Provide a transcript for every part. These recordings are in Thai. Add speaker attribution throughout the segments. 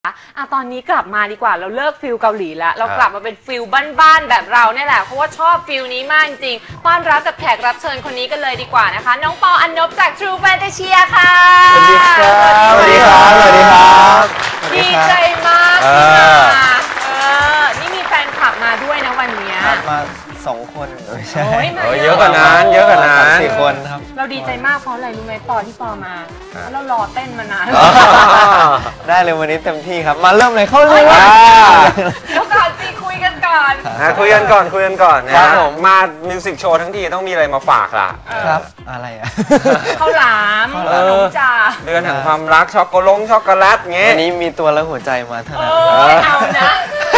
Speaker 1: ตอนนี้กลับมาดีกว่าเราเลิกฟิลเกาหลีแล้วเรากลับมาเป็นฟิลบ้านๆแบบเราเนี่ยแหละเพราะว่าชอบฟิลนี้มากจริงต้อนรับกับแขกรับเชิญคนนี้กันเลยดีกว่านะคะน้องปออันนบจาก True Fantasia ค่ะ
Speaker 2: สวัสดีครับสวัสดีครับสวัสดีครับ
Speaker 1: ดีใจมากที่มานี่มีแฟนคลับมาด้วยนะวันนี้
Speaker 2: มา2 คน
Speaker 1: ใช่
Speaker 2: เยอะกว่านั้นเยอะกว่านั้น4 คนครับ
Speaker 1: เราดีใจมากเพราะอะไรรู้ไหมปอที่ปอมาเรารอเต้นมานาน
Speaker 2: ได้เลยวันนี้เต็มที่ครับมาเริ่มเลยเข้าเลย
Speaker 1: แล้วก่อนสิคุยกันก่อน
Speaker 3: คุยกันก่อนนะครับผมมามิวสิกโชว์ทั้งทีต้องมีอะไรมาฝากล่ะ
Speaker 2: ครับอะไรอ่ะ
Speaker 1: ข้าวหลามขนมจ่า
Speaker 3: เดือนแห่งความรักช็อกโกแลตเงี้ย
Speaker 2: วันนี้มีตัวและหัวใจมาเท่านั้น
Speaker 1: เอานะ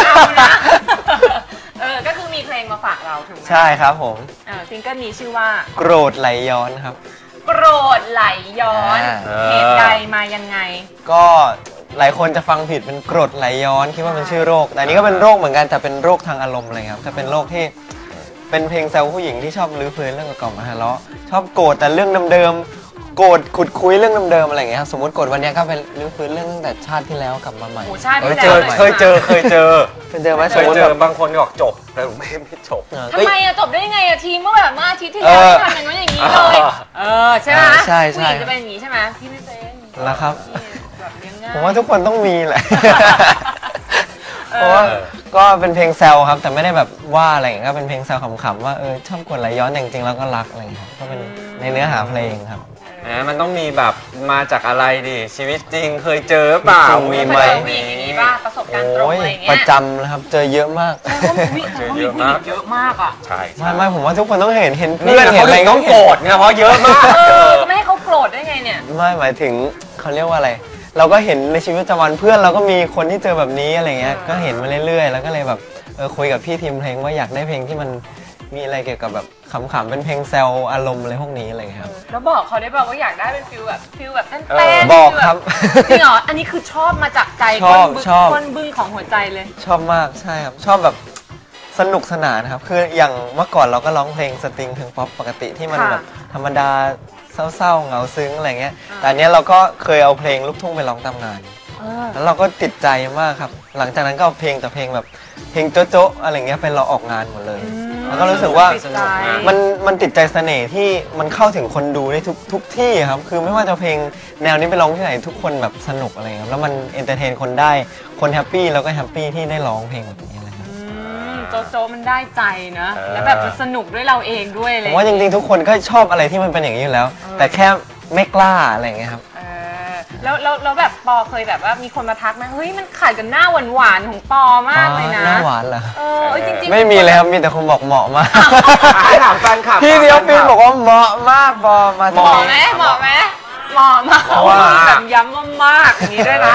Speaker 1: ก็คือมีเพลงมาฝากเราถูกไหม
Speaker 2: ใช่ครับผม
Speaker 1: ซิงเกิลนี้ชื่อว่า
Speaker 2: โกรธไหลย้อนครับ
Speaker 1: โกรธไหลย้อนเหตุใดมายังไง
Speaker 2: ก็หลายคนจะฟังผิดเป็นกรดไหลย้อนคิดว่าเป็นชื่อโรคแต่นี้ก็เป็นโรคเหมือนกันแต่เป็นโรคทางอารมณ์อะไรครับจะเป็นโรคที่เป็นเพลงแซวผู้หญิงที่ชอบลื้อฟื้นเรื่องเก่าๆมาทะเลาะชอบโกรธแต่เรื่องเดิมๆโกรธขุดคุยเรื่องเดิมๆอะไรอย่างเงี้ยครับสมมติโกรธวันนี้ก็เป็นลื้อฟื้นเรื่องตั้งแต่ชาติที่แล้วกลับมาใหม่
Speaker 3: เคยเจอ
Speaker 2: ไหม
Speaker 3: เคยเจอบางคนบอกจบแต่ไม่จบ
Speaker 1: ทำไมจบได้ยังไงทีเมื่อแบบอาทิตย์ที่แล้วทำอย่างนั้นอย่างนี้เลยใช่ไหมผู้หญิงจะเป็นอย่างนี้ใช่ไหมพี่ไม่เป็น
Speaker 2: แล้วครับผมว่าทุกคนต้องมีแหละเพราะว่าก็เป็นเพลงแซวครับแต่ไม่ได้แบบว่าอะไรอย่างเงี้ยก็เป็นเพลงแซวขำๆว่าชอบกดไหลย้อนจริงๆแล้วก็รักอะไรอย่างเงี้ยก็เป็นในเนื้อหาเพลงครับ
Speaker 3: มันต้องมีแบบมาจากอะไรดิชีวิตจริงเคยเจอเปล่า
Speaker 1: มีไหมมีอย่างนี้ป่ะประสบการณ์ตรงอะไรเงี้ย
Speaker 2: ประจำนะครับเจอเยอะมาก
Speaker 1: เจอเยอะมากอ่ะ
Speaker 3: ใช่
Speaker 2: ไม่ผมว่าทุกคนต้องเห็นเพื่อน
Speaker 3: เห็นอะไรต้องโกรธไงเพราะเยอะมาก
Speaker 1: ไม่ให้เขาโกรธได้ไงเนี่ย
Speaker 2: ไม่หมายถึงเขาเรียกว่าอะไรเราก็เห็นในชีวิตประจำวันเพื่อนเราก็มีคนที่เจอแบบนี้อะไรเงี้ยก็เห็นมาเรื่อยๆแล้วก็เลยแบบคุยกับพี่ทีมเพลงว่าอยากได้เพลงที่มันมีอะไรเกี่ยวกับแบบขำๆเป็นเพลงแซวอารมณ์อะไรพวกนี้อะไรครับ
Speaker 1: แล้วบอกเขาได้บอกว่าอยากได้เป็นฟิลแบบเต้น
Speaker 2: บอกครับ
Speaker 1: จริงเหรออันนี้คือชอบมาจากใจก้นบึ้งของหัวใจเลย
Speaker 2: ชอบมากใช่ครับชอบแบบสนุกสนานครับคืออย่างเมื่อก่อนเราก็ร้องเพลงสตริงเพลงป๊อปปกติที่มันแบบธรรมดาเศร้าๆเหงาซึ้งอะไรเงี้ยแต่อันนี้เราก็เคยเอาเพลงลูกทุ่งไปร้องตามงานแล้วเราก็ติดใจมากครับหลังจากนั้นก็เอาเพลงแต่เพลงแบบเพลงโจ๊ะอะไรเงี้ยไปเราออกงานหมดเลยแล้วก็รู้สึกว่ามันติดใจเสน่ห์ที่มันเข้าถึงคนดูได้ทุกที่ครับคือไม่ว่าจะเพลงแนวนี้ไปร้องที่ไหนทุกคนแบบสนุกอะไรครับแล้วมันเอนเตอร์เทนคนได้คนแฮปปี้แล้วก็แฮปปี้ที่ได้ร้องเพลงแบบนี้อะไรครับ
Speaker 1: โจ๊ะมันได้ใจนะแล้วแบบสนุกด้วยเราเองด้วยเลย
Speaker 2: ผมว่าจริงๆทุกคนก็ชอบอะไรที่มันเป็นอย่างนี้อยู่แล้วแต่แค่ไม่กล้าอะไรเงี้ยครับ
Speaker 1: แล้วแบบปอเคยแบบว่ามีคนมาทักไหมเฮ้ยมันขัดกับหน้าหวานของปอมากเลยนะ
Speaker 2: หน้าหวานเหรอ
Speaker 1: จริงๆ
Speaker 2: ไม่มีเลยครับมีแต่คนบอกเหมาะมาก
Speaker 3: ให้ถามแฟนคลับ
Speaker 2: พี่เดียวปีนบอกว่าเหมาะมากปอมา
Speaker 1: เหมาะไหมเหมาะแบบย้ำว่ามากอย่างนี้ด้วยนะ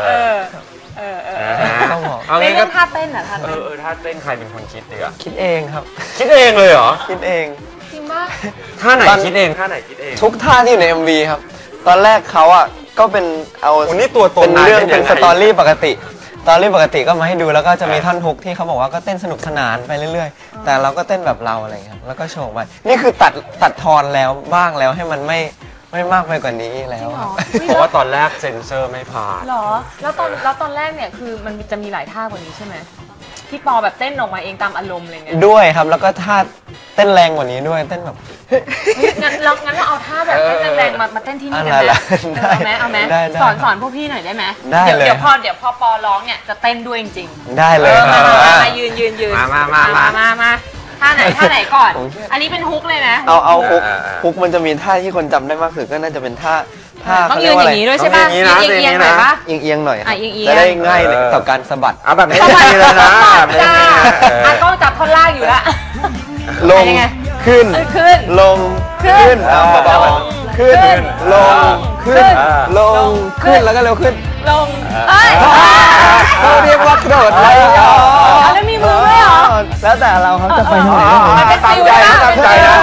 Speaker 1: เอางี้ก็ท่าเต้นท่าเต้น
Speaker 3: ท่าเต้นใครเป็นคนคิดดีอะ
Speaker 2: คิดเองครับ
Speaker 3: คิดเองเลยเหรอ
Speaker 2: คิดเอง
Speaker 1: จริงป่ะ
Speaker 3: ท่าไหนคิดเอง
Speaker 2: ทุกท่าที่อยู่ใน MV ครับตอนแรกเขาอ่ะก็เป็นเอา
Speaker 3: นี่ตัวตน
Speaker 2: เป็นเรื่องเป็นสตอรี่ปกติก็มาให้ดูแล้วก็จะมีท่อนฮุกที่เขาบอกว่าก็เต้นสนุกสนานไปเรื่อยๆแต่เราก็เต้นแบบเราอะไรเงี้ยแล้วก็โชว์ไปนี่คือตัดทอนแล้วบ้างแล้วให้มันไม่มากไปกว่านี้แล้ว
Speaker 3: เพราะว่าตอนแรกเซ็นเซอร์ไม่ผ่าน
Speaker 1: หรอแล้วตอนแรกเนี่ยคือมันจะมีหลายท่ากว่านี้ใช่ไหมที่ปอแบบเต้นออกมาเองตามอารมณ์อะไรเงี้ย
Speaker 2: ด้วยครับแล้วก็ท่าเต้นแรงกว่านี้ด้วยเต้นแบบ
Speaker 1: งั้นเราเอาท่าแบบเต้นแรงมาเต้นที่นี่กันไหมเอาไหมสอนพวกพี่หน่อยได้ไหมเดี๋ยวพอปอร้องเนี่ยจะเต้นด้วยจริง
Speaker 2: ๆได้เลย
Speaker 1: มายืนมาท่าไหนก่อนอันนี้เป็นฮุกเลยนะ
Speaker 2: เอาฮุกมันจะมีท่าที่คนจำได้มากสุดก็น่าจะเป็นท่า
Speaker 1: ต้องยืนอย่างนี้ด้วยใช่ป่ะเอียงหน่อยป่ะ
Speaker 2: เอียงหน่อยจะได้ง่ายต่อการสะบัด
Speaker 3: เอาแบบนี้เลยนะ
Speaker 1: ก็จับท่อนล่างอยู่ละ
Speaker 2: ลงขึ้นลงขึ้นเบาๆขึ้นลงขึ้นลงขึ้นแล้วก็เร็วขึ้น
Speaker 1: ลง
Speaker 2: เขาเรียกว่ากระโดดไหลย้อน
Speaker 1: แล้วมีมือด้วยเหรอ
Speaker 2: แล้วแต่เราครับจะไปทางไหน
Speaker 3: ตามใจนะ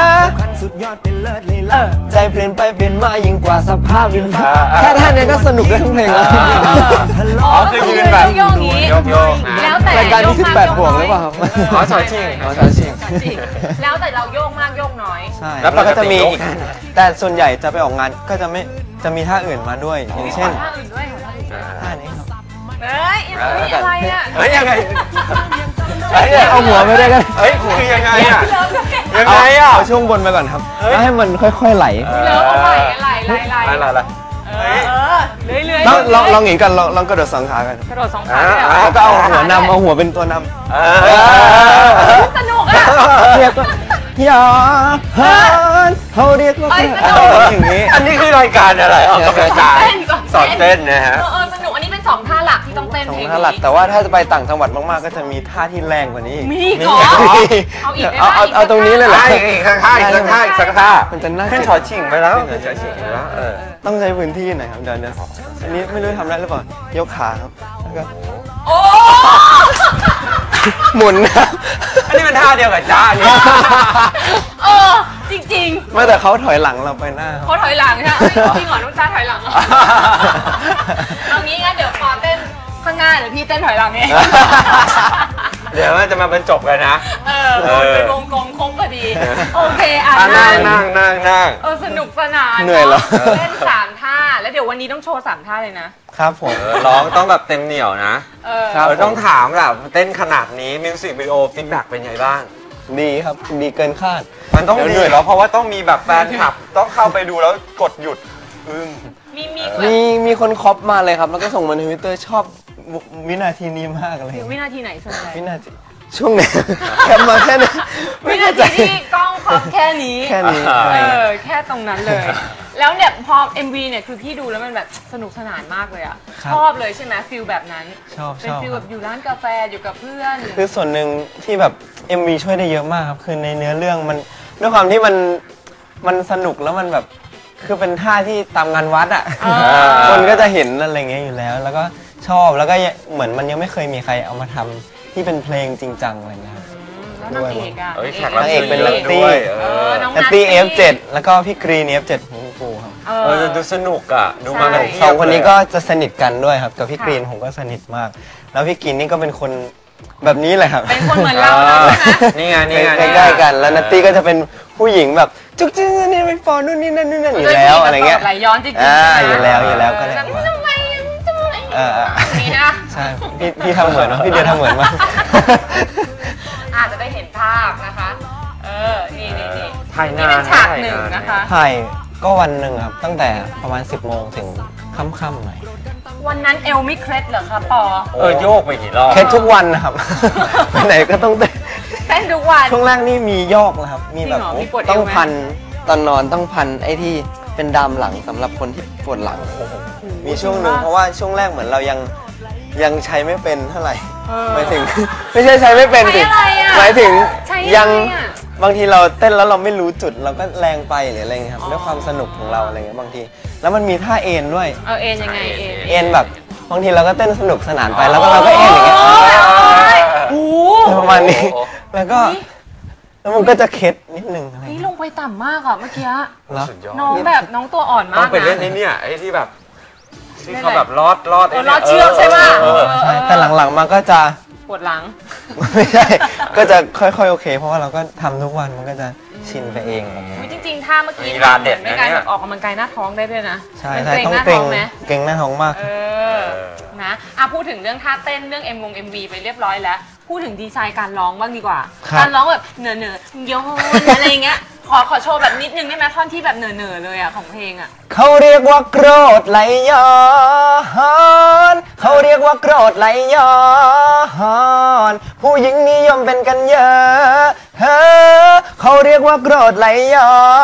Speaker 2: ใจเปลี่ยนไปเปลี่ยนมายิ่งกว่าสภาพดินแค่ท่านนี้ก็สนุกได้ทั้งเพลงแล้ว
Speaker 3: คือยืนแบบ
Speaker 1: โยกนี้แล้วแต่
Speaker 2: รายการที่18 บวกหรือเปล่าครับ
Speaker 3: สอนชิง
Speaker 1: แล้วแต่เราโยกมากโยกน้อย
Speaker 2: ใช่แล้วก็จะมีอีกแต่ส่วนใหญ่จะไปออกงานก็จะมีท่าอื่นมาด้วยอย่างเช่นท่านี้ครับ
Speaker 1: อะไรอ่ะ
Speaker 3: เฮ้ยยังไง
Speaker 2: เอาหัวไปด้วยกัน
Speaker 3: เฮ้ยคือยังไงอ่ะ
Speaker 1: เลิฟก็แค่
Speaker 3: ยังไงอ่ะ
Speaker 2: เอาช่วงบนไปก่อนครับแล้วให้มันค่อยๆไหล
Speaker 1: เลิฟเอาไหล
Speaker 3: อะไร
Speaker 1: เรื่อย
Speaker 2: ลองอย่างนี้กันลองกระโดดสองขากัน
Speaker 1: กระโดด2 ขาเลยเหรอ
Speaker 2: แล้วก็เอาหัวนำเอาหัวเป็นตัวนำ
Speaker 1: สนุกอ่ะ
Speaker 2: เรียกว่าอย่าหันเขาเรียกว่า
Speaker 1: เอ้ยสนุก
Speaker 2: อย่างนี้
Speaker 3: อันนี้คือรายการอะไรออกกำลังกายสอนเต้นนะฮะ
Speaker 1: สนุกอันนี้เป็น2 ท่าหลักที่ต้องเต้น
Speaker 2: สอ
Speaker 1: เพ
Speaker 2: ง
Speaker 1: ลง
Speaker 2: ท่าหลัก
Speaker 1: นี้
Speaker 2: แต่ว่าถ้าจะไปต่างจังหวัดมากๆก็จะมีท่าที่แรงกว่านี้อีก
Speaker 1: มีอีกเหรอ เอาอีกได้ไหม
Speaker 2: เอาตรงนี้เลยเหรอ
Speaker 3: อีกสักท่าอีกสักท่าอีกสักท่า
Speaker 2: มันจะน่า
Speaker 3: ขึ้นชอชิงไปแล้วขึ้นชอชิงไปแล้ว
Speaker 2: ต้องใช้พื้นที่หน่อยครับเดี๋ยวอันนี้ไม่รู้ทำได้หรือเปล่ายกขาครับแล้วก็
Speaker 1: โอ้
Speaker 2: หมุนนะ
Speaker 3: อันนี้เป็นท่าเดียวกับจ้าเนี่ย
Speaker 1: จริง
Speaker 2: ไม่แต่เขาถอยหลังเราไปหน้า
Speaker 1: ๆเขาถอยหลังใช่ไหมจริงเหรอน้องจ้าถอยหลังเหรอเอางี้งั้นเดี๋ยวพอเต้นข้างหน้าเดี๋ยวพี่เต้นถอยหลังเอง
Speaker 3: เดี๋ยวมันจะมาบรรจบกันนะ
Speaker 1: เป็นวงกลมครบพอดี โอเค
Speaker 3: นั่ง
Speaker 1: สนุกสนาน
Speaker 2: เหนื่อยเหรอ
Speaker 1: เล่น3 ท่าแล้วเดี๋ยววันนี้ต้องโชว์3 ท่าเลยนะครับ
Speaker 2: ผม
Speaker 3: ร้องต้องแบบเต็มเหนียวนะ
Speaker 2: ครับ
Speaker 3: ต้องถามแบบเต้นขนาดนี้มิวสิกวิดีโอฟีดแบ็กเป็นไงบ้าง
Speaker 2: ดีครับดีเกินคาด
Speaker 3: มันต้องดีแล้วเพราะว่าต้องมีแบบแฟนคลับต้องเข้าไปดูแล้วกดหยุด
Speaker 2: มีคนคอปมาเลยครับ แล้วก็ส่งมาในทวิตเตอร์ชอบวินาทีนี้มากเลย
Speaker 1: วินาทีไหนส่วนใหญ่
Speaker 2: วินาทีช่วงไหนแคปมาแค่นี้
Speaker 1: วินาทีที่กล้องครอบแค่นี้
Speaker 2: แค่นี้
Speaker 1: แค่ตรงนั้นเลย แล้วเนี่ยพอ MV เนี่ยคือพี่ดูแล้วมันแบบสนุกสนานมากเลยอ่ะชอบเลยใช่ไหมฟิลแบบนั้น
Speaker 2: ชอบ
Speaker 1: เป็นฟิลแบบอยู่ร้านกาแฟอยู่กับเพื่อน
Speaker 2: คือส่วนหนึ่งที่แบบ MV ช่วยได้เยอะมากครับคือในเนื้อเรื่องมันด้วยความที่มันสนุกแล้วมันแบบคือเป็นท่าที่ตามงานวัดอ่ะคนก็จะเห็นอะไรเงี้ยอยู่แล้ว แล้วก็ชอบแล้วก็เหมือนมันยังไม่เคยมีใครเอามาทำที่เป็นเพลงจริงจังอะไรเงี้ยครับ
Speaker 1: แล้วนางเอกอ่ะ
Speaker 2: นางเอกเป็นนัตตี้
Speaker 1: น้อง
Speaker 2: นัตตี้ F7 แล้วก็พี่กรีน F7 ของกูครับ
Speaker 3: ดูสนุกอ่ะดูมา
Speaker 2: สองคนนี้ก็จะสนิทกันด้วยครับกับพี่กรีนผมก็สนิทมาก แล้วพี่กรีนนี่ก็เป็นคนแบบนี้เลยครับ
Speaker 1: เป็นคนเหมือนเราใช่ไหม
Speaker 3: นี่ไง
Speaker 2: ใกล้ๆกันแล้วนัตตี้ก็จะเป็นผู้หญิงแบบจุกจิ๊กนี่ไม่ฟอนู่นนี่นั่นอยู่แล้วอะไรเงี้ย
Speaker 1: ไหลย้อนจริงๆ
Speaker 2: อยู่แล้วก็เลย
Speaker 1: ทำไมนี่นะ
Speaker 2: ใช่พี่ทำเหมือนพี่เดียทำเหมือนมาก
Speaker 1: อาจจะได้เห็นภาพนะคะนี่
Speaker 3: ถ่าย
Speaker 1: นี่
Speaker 3: นาน
Speaker 1: เป็นฉากหนึ่งนะคะ
Speaker 2: ถ่ายก็วันหนึ่งครับตั้งแต่ประมาณ 10 โมงถึงค่ำๆหน่อย
Speaker 1: วันนั้นเอลไม่เคล็ดเหรอคะปอ
Speaker 3: โยกไปกี่รอบ
Speaker 2: แค่ทุกวันนะครับ ไปไหนก็ต้องเต้น
Speaker 1: เต้นทุกวัน
Speaker 2: ช่วงแรกนี่มียอกนะครับมีแบบ
Speaker 1: จริงเหรอมีปวดเอวไหม
Speaker 2: ต้องพันตอนนอนต้องพันไอ้ที่เป็นดามหลังสำหรับคนที่ปวดหลังมีช่วงหนึ่งเพราะว่าช่วงแรกเหมือนเรายังใช้ไม่เป็นเท่าไหร่หมายถึง ไม่ใช่ใช้ไม่เป็นสิหมายถึงยังบางทีเราเต้นแล้วเราไม่รู้จุดเราก็แรงไปหรืออะไรเงี้ยครับด้วยความสนุกของเราอะไรเงี้ยบางทีแล้วมันมีท่าเอ็นด้วย
Speaker 1: เอ็นยังไง
Speaker 2: เอ็นแบบบางทีเราก็เต้นสนุกสนานไปแล้วก็เราก็เอ็นอย่างเงี้ยประมาณนี้แล้วมันก็จะเคล็ดนิดนึงอะไร
Speaker 1: นี่ลงไปต่ำมากอ่ะเมื่อกี้
Speaker 3: สุดยอด
Speaker 1: น้องแบบน้องตัวอ่อนมาก
Speaker 3: ต้องไปเล่นเนี่ยไอ้ที่แบบที่เขาแบบลอด
Speaker 1: เชือกใช่ไหม
Speaker 2: ใช่แต่หลังๆมาก็จะ
Speaker 1: ปวดหลัง
Speaker 2: ไม่ใช่ก็จะค่อยๆโอเคเพราะว่าเราก็ทำทุกวันมันก็จะชินไปเอง
Speaker 1: จริงๆท่าเมื่อกี้ในการออกกำลังกายหน้าท้องได้ด้วยนะ
Speaker 2: ใช่ต้องเกรงหน้าท้องมาก
Speaker 1: นะพูดถึงเรื่องท่าเต้นเรื่องMV ไปเรียบร้อยแล้วพูดถึงดีไซน์การร้องบ้างดีกว่าการร้องแบบเหนื่อโยนอะไรเงี้ยขอโชว์แบบนิดนึงได้ไหมท่อนที่แบบเหนื่อเลยอ่ะของเพลงอ่ะ
Speaker 2: เขาเรียกว่าโกรธไหลย้อนเขาเรียกว่าโกรธไหลย้อนผู้หญิงนิยมเป็นกันเยอะเขาเรียกว่าโกรธไหลย้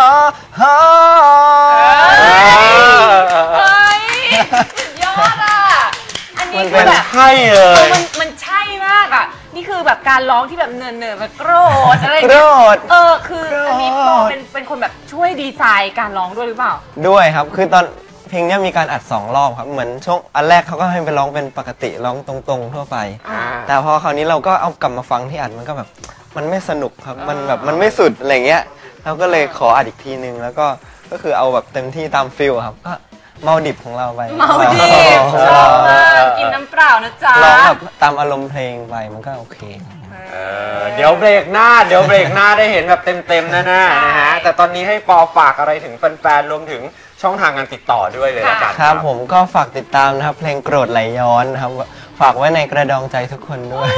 Speaker 2: อน
Speaker 1: ยอดอ่ะอันนี้คือแบบ
Speaker 3: ใช่เลย
Speaker 1: มันใช่มากอ่ะนี่คือแบบการร้องที่แบบเนินๆแบบโกรธอะไร
Speaker 2: โกรธ
Speaker 1: คืออันนี้ปอเป็นคนแบบช่วยดีไซน์การร้องด้วยหรือเปล่า
Speaker 2: ด้วยครับคือตอนเพลงนี้มีการอัด2 รอบครับเหมือนช่วงอันแรกเขาก็ให้ไปร้องเป็นปกติร้องตรงๆทั่วไปแต่พอคราวนี้เราก็เอากลับมาฟังที่อัดมันก็แบบมันไม่สนุกครับมันแบบมันไม่สุดอะไรเงี้ยเราก็เลยขออัดอีกทีนึงแล้วก็คือเอาแบบเต็มที่ตามฟิลครับก็เมาดิบของเราไป
Speaker 1: เมาดิบชอบมากกินน้ำเปล่านะจ๊ะ
Speaker 2: ร้องแบบตามอารมณ์เพลงไปมันก็โอเค
Speaker 3: เดี๋ยวเบรกหน้าได้เห็นแบบเต็มๆแน่ๆนะฮะแต่ตอนนี้ให้ปอฝากอะไรถึงแฟนๆรวมถึงช่องทางการติดต่อด้วยเลยละกัน
Speaker 2: ครับผมก็ฝากติดตามนะครับเพลงโกรธไหลย้อนนะครับฝากไว้ในกระดองใจทุกคนด้วย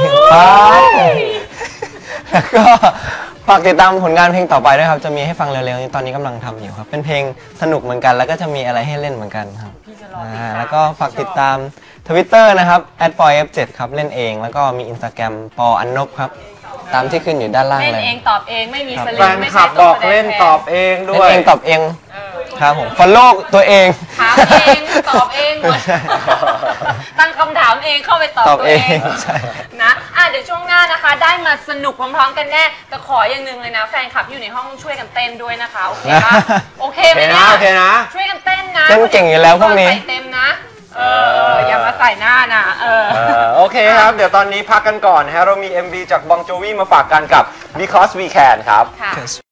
Speaker 2: แล้วก็ฝากติดตามผลงานเพลงต่อไปด้วยครับจะมีให้ฟังเร็วๆนี้ตอนนี้กำลังทำอยู่ครับเป็นเพลงสนุกเหมือนกันแล้วก็จะมีอะไรให้เล่นเหมือนกันครับ
Speaker 1: พี่จะรอติดตาม
Speaker 2: แล้วก็ฝากติดตาม Twitter นะครับ @poyf7 ครับเล่นเองแล้วก็มี Instagram ปออันนบครับตามที่ขึ้นอยู่ด้านล่าง
Speaker 1: เล่น
Speaker 2: เลย
Speaker 1: เองตอบเองไม่มีสลิ
Speaker 3: แฟ
Speaker 1: ง
Speaker 3: น
Speaker 1: ไม่
Speaker 3: คลั
Speaker 1: ใช่
Speaker 3: บ
Speaker 1: ตั
Speaker 3: บ
Speaker 1: ว
Speaker 3: อก
Speaker 1: แสดง
Speaker 3: เล่น
Speaker 1: แท
Speaker 3: ตอบเอง
Speaker 2: เล่
Speaker 3: ด้วย
Speaker 2: นเองตอบเอง
Speaker 1: เออ
Speaker 2: ครับผม follow ตัวเอง
Speaker 1: ถามเองตอบเองหมดตั้งคำถามเองเข้าไปตอบ
Speaker 2: ตอบ
Speaker 1: ตัว
Speaker 2: เอ
Speaker 1: เอง ง
Speaker 2: ใช่
Speaker 1: นะเดี๋ยวช่วงหน้านะคะ ได้มาสนุกพร้อมๆกันแน่แต่ขออย่างหนึ่งเลยนะแฟนคลับที่อยู่ในห้องช่วยกันเต้นด้วยนะคะโอเคปะโอเค
Speaker 3: โอ
Speaker 1: ไหม
Speaker 3: เค
Speaker 1: เนี่
Speaker 3: นะ
Speaker 1: ย
Speaker 3: โอเคนะ
Speaker 1: ช่วยกันเต้นนะ
Speaker 2: เต้นเก่งอยู่แล้วพวกนี้
Speaker 1: ใส่เต็มนะอย่ามาใส่หน้านะ
Speaker 3: โอเคครับ เดี๋ยวตอนนี้พักกันก่อนนะฮะเรามี MV จากบองโจวีมาฝากกันกับ Because We Can ครับ
Speaker 1: ค่ะ